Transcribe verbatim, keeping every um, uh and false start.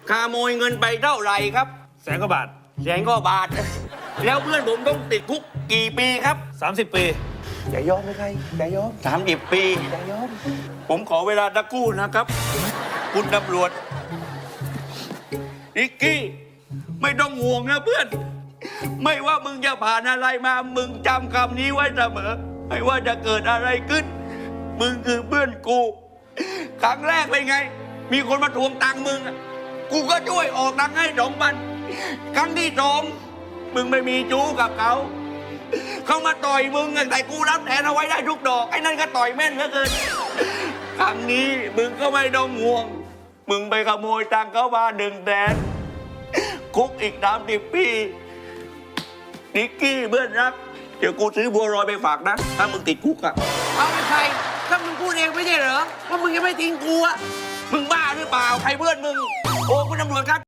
ขโมยเงินไปเท่าไหร่ครับแสนกว่าบาทแสนกว่าบาทแล้วเพื่อนผมต้องติดคุกกี่ปีครับสามสิบปีอย่ายอมเลยใครอย่ายอมสามสิบปีอย่ายอมผมขอเวลาตะกู้นะครับ คุณตำรวจนิกกี้ไม่ต้องห่วงนะเพื่อนไม่ว่ามึงจะผ่านอะไรมามึงจำคำนี้ไว้เสมอไม่ว่าจะเกิดอะไรขึ้นมึงคือเพื่อนกูครั้งแรกเป็นไงมีคนมาทวงตังค์มึงกูก็ช่วยออกตังค์ให้สองพันครั้งที่สองมึงไม่มีจู้กับเขาเขามาต่อยมึงแต่กูรับแทนเอาไว้ได้ทุกดอกไอ้นั่นก็ต่อยแม่นเหลือเกินครั้งนี้มึงก็ไม่ต้องห่วงมึงไปขโมยตังค์เขามาหนึ่งแสนคุกอีกสามสิบปีนิกกี้เพื่อนรักเดี๋ยวกูซื้อบัวลอยไปฝากนะถ้ามึงติดคุกอะเอาไปใครถ้ามึงพูดเองไม่ใช่เหรอว่ามึงยังไม่ทิ้งกูอะมึงบ้าหรือเปล่าใครเพื่อนมึงโอ้คุณตำรวจครับ